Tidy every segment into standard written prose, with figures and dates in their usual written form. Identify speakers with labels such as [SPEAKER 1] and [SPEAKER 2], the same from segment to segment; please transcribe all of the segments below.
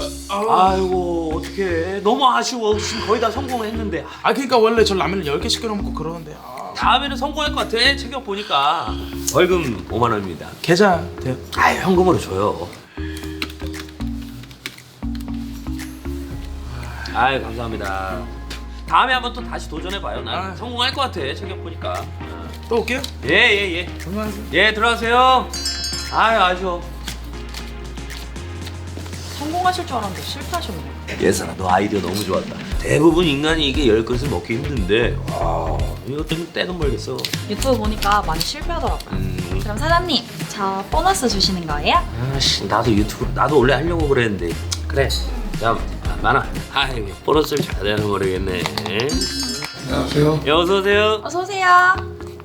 [SPEAKER 1] 아이고 어떡해. 너무 아쉬워. 지금 거의 다 성공했는데.
[SPEAKER 2] 그러니까 원래 저 라면을 10개씩 끓여 먹고 그러는데.
[SPEAKER 1] 다음에는 성공할 것 같아. 체격 보니까. 벌금 5만 원입니다.
[SPEAKER 2] 계좌 돼요?
[SPEAKER 1] 현금으로 줘요. 감사합니다. 다음에 한번 또 다시 도전해봐요. 난 성공할 것 같아. 체격 보니까.
[SPEAKER 2] 또 올게요.
[SPEAKER 1] 예.
[SPEAKER 2] 안녕하세요.
[SPEAKER 1] 예, 들어가세요. 아쉬워.
[SPEAKER 3] 성공하실 줄 알았는데 실패하셨네요.
[SPEAKER 1] 예선아, 너 아이디어 너무 좋았다. 대부분 인간이 이게 10그릇을 먹기 힘든데 이것 때문에 떼돈 벌겠어.
[SPEAKER 3] 유튜브 보니까 많이 실패하더라고요. 그럼 사장님, 저 보너스 주시는 거예요?
[SPEAKER 1] 나도 유튜브 나도 원래 하려고 그랬는데. 그래. 자, 많아. 보너스를 줘야 되나 모르겠네.
[SPEAKER 4] 안녕하세요.
[SPEAKER 1] 예, 어서 오세요.
[SPEAKER 3] 어서 오세요.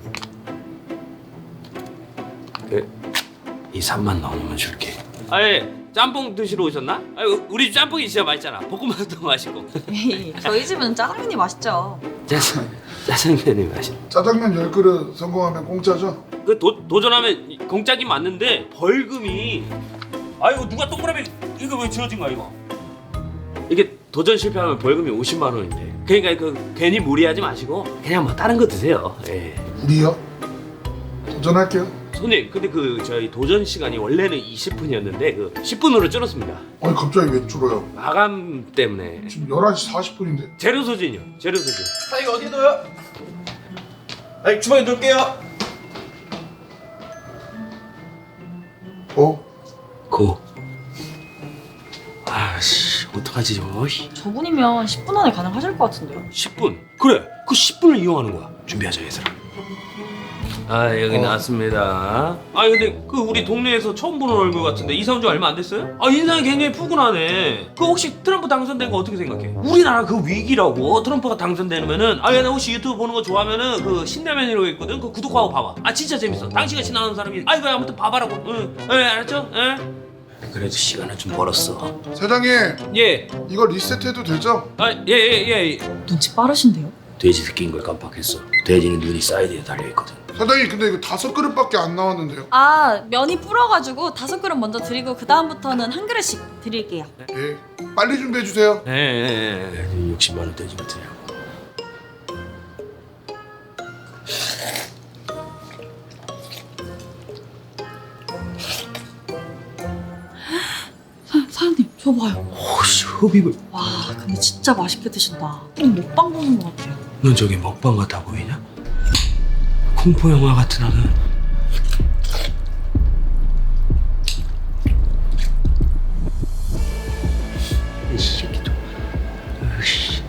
[SPEAKER 1] 이 3만 넣으면 줄게. 짬뽕 드시러 오셨나? 우리 집 짬뽕이 진짜 맛있잖아. 볶음밥도 맛있고.
[SPEAKER 3] 저희 집은 짜장면이 맛있죠.
[SPEAKER 1] 짜장면이 맛있.
[SPEAKER 4] 짜장면 10그릇 성공하면 공짜죠?
[SPEAKER 1] 도전하면 공짜긴 맞는데 벌금이. 이거 누가 동그라미 이거 왜 지어진 거야 이거? 이게 도전 실패하면 벌금이 50만 원인데. 그러니까 괜히 무리하지 마시고 그냥 뭐 다른 거 드세요. 예.
[SPEAKER 4] 우리요? 도전할게요.
[SPEAKER 1] 손님, 근데 저희 도전 시간이 원래는 20분이었는데 10분으로 줄었습니다.
[SPEAKER 4] 아니 갑자기 왜 줄어요?
[SPEAKER 1] 마감 때문에.
[SPEAKER 4] 지금 11시 40분인데.
[SPEAKER 1] 재료 소진이요. 재료 소진.
[SPEAKER 2] 이거 어디에 넣어요? 주방에 넣을게요.
[SPEAKER 1] 고. 어떡하지 저거?
[SPEAKER 3] 저분이면 10분 안에 가능하실 것 같은데요.
[SPEAKER 1] 10분. 그래. 그 10분을 이용하는 거야. 준비하자 얘들아. 여기 나왔습니다. 근데 우리 동네에서 처음 보는 얼굴 같은데 이사 온 지 얼마 안 됐어요? 인상이 굉장히 푸근하네. 혹시 트럼프 당선된 거 어떻게 생각해? 우리나라 위기라고. 트럼프가 당선되면은 나 혹시 유튜브 보는 거 좋아하면은 신라면이라고 있거든. 구독하고 봐봐. 진짜 재밌어. 당신같이 나오는 사람이. 아무튼 봐봐라고. 응. 알았죠? 그래도 시간을 좀 벌었어.
[SPEAKER 4] 사장님,
[SPEAKER 1] 예.
[SPEAKER 4] 이거 리셋해도 되죠?
[SPEAKER 1] 예.
[SPEAKER 3] 눈치 빠르신데요?
[SPEAKER 1] 돼지 새끼인 걸 깜빡했어. 돼지는 눈이 사이드에 달려있거든.
[SPEAKER 4] 사장님 근데 이거 5그릇밖에 안 나왔는데요.
[SPEAKER 3] 면이 불어가지고 5그릇 먼저 드리고 그 다음부터는 한 그릇씩 드릴게요.
[SPEAKER 4] 예. 빨리 준비해 주세요.
[SPEAKER 1] 예. 60만 원 돼지 같으냐고.
[SPEAKER 3] 사장님, 저 봐요.
[SPEAKER 1] 흡입을.
[SPEAKER 3] 와, 근데 진짜 맛있게 드신다. 꼭 먹방 보는 것 같아요.
[SPEAKER 1] 넌 저게 먹방 같아 보이냐? 공포 영화 같은 하는. 이 새끼도. 으이씨.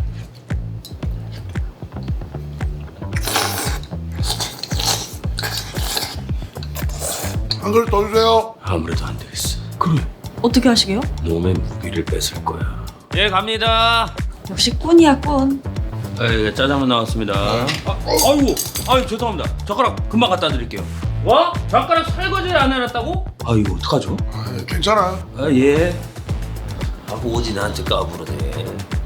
[SPEAKER 4] 한 그릇 더 주세요.
[SPEAKER 1] 아무래도 안 되겠어. 그래.
[SPEAKER 3] 어떻게 하시게요?
[SPEAKER 1] 몸의 무기를 뺏을 거야. 예, 갑니다.
[SPEAKER 3] 역시 꾼이야, 꾼.
[SPEAKER 1] 짜장면 나왔습니다. 아이고, 죄송합니다. 젓가락 금방 갖다 드릴게요. 뭐? 젓가락 설거지를 안 해놨다고? 이거 어떡하죠?
[SPEAKER 4] 괜찮아요.
[SPEAKER 1] 예. 오지 나한테 까부르네.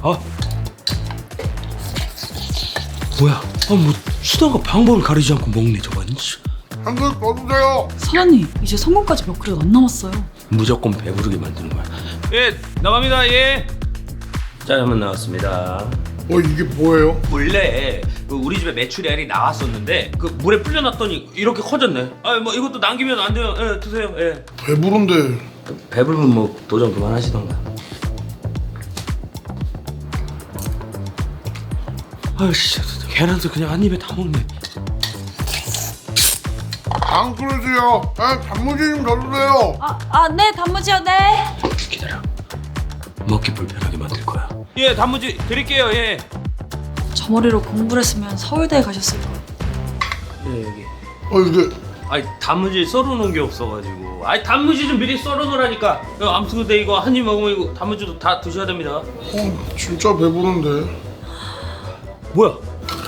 [SPEAKER 1] 뭐야? 뭐 수단과 방법을 가리지 않고 먹네 저건.
[SPEAKER 4] 한 그릇 더 주세요.
[SPEAKER 3] 사장님, 이제 성공까지 몇 그릇 안 남았어요.
[SPEAKER 1] 무조건 배부르게 만드는 거야. 예, 나갑니다. 예. 짜장면 나왔습니다.
[SPEAKER 4] 이게 뭐예요?
[SPEAKER 1] 원래 우리 집에 메추리알이 나왔었는데 물에 불려놨더니 이렇게 커졌네. 뭐 이것도 남기면 안 돼요. 예, 드세요. 예.
[SPEAKER 4] 배부른데.
[SPEAKER 1] 배부르면 뭐 도전 그만하시던가. 아이씨, 계란도 그냥 한 입에 다 먹네.
[SPEAKER 4] 안 그릇이요. 단무지 좀 더 주세요.
[SPEAKER 3] 네, 단무지요, 네.
[SPEAKER 1] 기다려. 먹기 불편하게 만들 거야. 예, 단무지 드릴게요. 예.
[SPEAKER 3] 저 머리로 공부를 했으면 서울대에 가셨을 거예요.
[SPEAKER 1] 예, 여기.
[SPEAKER 4] 이게
[SPEAKER 1] 단무지 썰어놓은 게 없어가지고. 단무지 좀 미리 썰어놓으라니까. 아무튼 근데 이거 한 입 먹으면 이거 단무지도 다 드셔야 됩니다.
[SPEAKER 4] 진짜 배부른데.
[SPEAKER 1] 뭐야?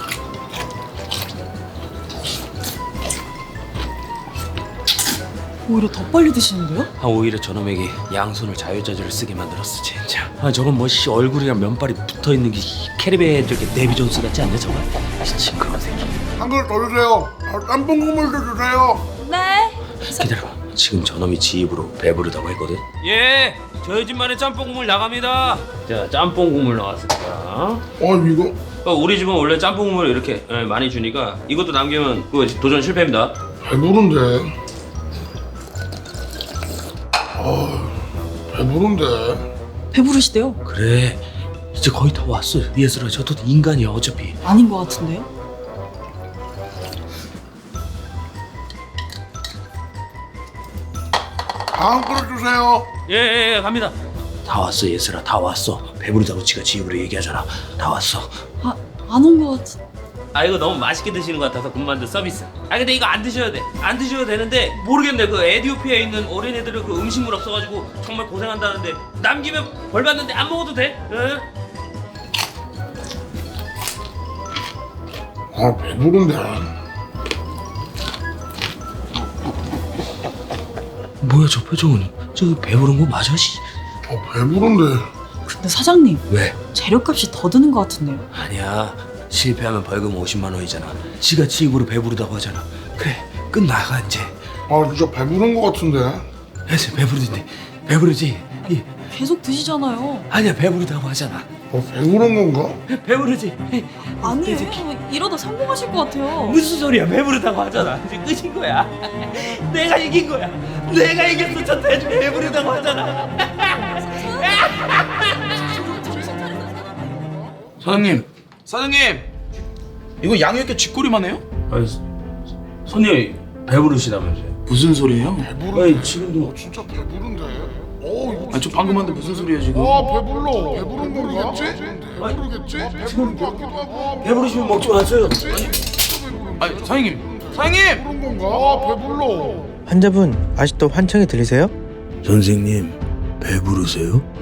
[SPEAKER 3] 오히려 더 빨리 드시는데요?
[SPEAKER 1] 오히려 저놈에게 양손을 자유자재로 쓰게 만들었어 진짜. 저건 뭐 얼굴이랑 면발이 붙어있는 게 캐리베 저기 데비 존스 같지 않냐 저건? 징그러운 새끼.
[SPEAKER 4] 한 그릇 더 주세요. 짬뽕 국물도 주세요.
[SPEAKER 3] 네.
[SPEAKER 1] 기다려봐. 지금 저놈이 지 입으로 배부르다고 했거든. 예, 저희 집만의 짬뽕 국물 나갑니다. 자, 짬뽕 국물 나왔습니다.
[SPEAKER 4] 이거
[SPEAKER 1] 우리 집은 원래 짬뽕 국물 이렇게 많이 주니까 이것도 남기면 그거 도전 실패입니다.
[SPEAKER 4] 배부른데. 배부른데.
[SPEAKER 3] 배부르시대요?
[SPEAKER 1] 그래, 이제 거의 다 왔어. 예슬아, 저도 인간이야 어차피.
[SPEAKER 3] 아닌 것 같은데요?
[SPEAKER 4] 다음 그릇 주세요.
[SPEAKER 1] 예, 갑니다. 다 왔어 예슬아, 다 왔어. 배부르다고 지가 지 입으로 얘기하잖아. 다 왔어.
[SPEAKER 3] 안 온 것 같은.
[SPEAKER 1] 아, 이거 너무 맛있게 드시는 것 같아서 군만두 서비스. 아, 근데 이거 안 드셔도 돼. 안 드셔도 되는데 모르겠네. 그 에티오피아에 있는 어린애들은 그 음식물 없어가지고 정말 고생한다는데 남기면 벌 받는데 안 먹어도 돼? 응?
[SPEAKER 4] 배부른데.
[SPEAKER 1] 뭐야 저 표정은? 저 배부른 거 맞아? 씨.
[SPEAKER 4] 배부른데.
[SPEAKER 3] 근데 사장님,
[SPEAKER 1] 왜?
[SPEAKER 3] 재료값이 더 드는 것 같은데요?
[SPEAKER 1] 아니야. 실패하면 벌금 50만 원이잖아. 지가 지 입으로 배부르다고 하잖아. 그래, 끝나가 이제.
[SPEAKER 4] 진짜 배부른 것 같은데.
[SPEAKER 1] 해서 배부르지. 배부르지.
[SPEAKER 3] 계속 드시잖아요.
[SPEAKER 1] 아니야, 배부르다고 하잖아.
[SPEAKER 4] 배부른 건가?
[SPEAKER 1] 배부르지.
[SPEAKER 3] 아니에요. 이러다 성공하실 것 같아요.
[SPEAKER 1] 무슨 소리야? 배부르다고 하잖아. 이제 끝인 거야. 내가 이긴 거야. 내가 이겼어. 저 돼지 배부르다고 하잖아.
[SPEAKER 2] 사장님 이거 양이 이렇게 쥐꼬리만 해요?
[SPEAKER 1] 아니, 손님 배부르시다면서요?
[SPEAKER 2] 무슨 소리예요?
[SPEAKER 4] 배부른데.
[SPEAKER 1] 아니, 지금도
[SPEAKER 4] 진짜 배부른데. 이거
[SPEAKER 2] 아니 저 방금 한데 무슨 소리예요 지금?
[SPEAKER 4] 배불러. 배부른 모르겠지? 모르겠지? 배부른 것 같기도 하고.
[SPEAKER 1] 배부르시면 먹지 마세요.
[SPEAKER 2] 아니 사장님
[SPEAKER 4] 배부른 건가? 배불러.
[SPEAKER 5] 환자분 아직도 환청이 들리세요?
[SPEAKER 1] 선생님 배부르세요?